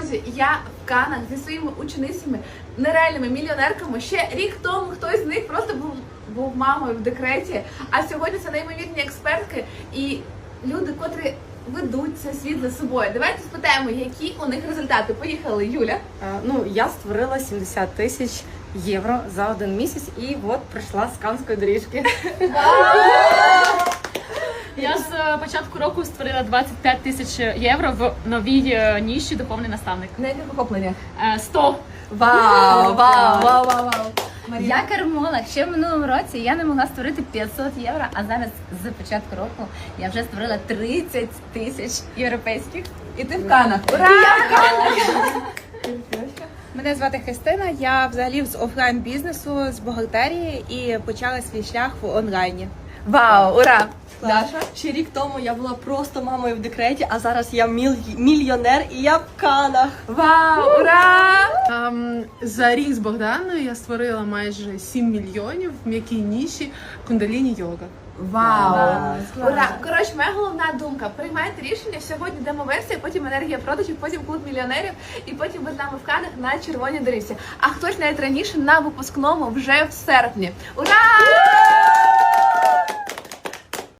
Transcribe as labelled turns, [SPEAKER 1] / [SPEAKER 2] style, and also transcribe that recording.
[SPEAKER 1] Друзі, я в Канах зі своїми ученицями, нереальними мільйонерками. Ще рік тому хтось з них просто був мамою в декреті, а сьогодні це неймовірні експертки і люди, котрі ведуть цей світ за собою. Давайте спитаємо, які у них результати. Поїхали, Юля.
[SPEAKER 2] Я створила 70 тисяч євро за 1 місяць і от прийшла з Канської доріжки.
[SPEAKER 3] Я з початку року створила 25 тисяч євро в новій ніші «Духовний наставник».
[SPEAKER 1] На яких охопленнях?
[SPEAKER 3] 100.
[SPEAKER 1] Вау!
[SPEAKER 4] Я кермола. Ще в минулому році я не могла створити 500 євро, а зараз з початку року я вже створила 30 тисяч європейських.
[SPEAKER 1] І ти в Канах. Ура!
[SPEAKER 5] Мене звати Христина, я взагалі з офлайн-бізнесу, з бухгалтерії і почала свій шлях в онлайні.
[SPEAKER 1] Вау, ура! Даша?
[SPEAKER 6] Ще рік тому я була просто мамою в декреті, а зараз я мільйонер і я в Канах.
[SPEAKER 1] Вау, ура!
[SPEAKER 7] За рік з Богданою я створила майже 7 мільйонів в м'якій ніші кундаліні-йога.
[SPEAKER 1] Вау! Ура! Коротше, моя головна думка. Приймайте рішення, сьогодні демо-версія, потім енергія продажів, потім клуб мільйонерів і потім ви з нами в Канах на червоній доріжці. А хтось навіть раніше на випускному вже в серпні. Ура!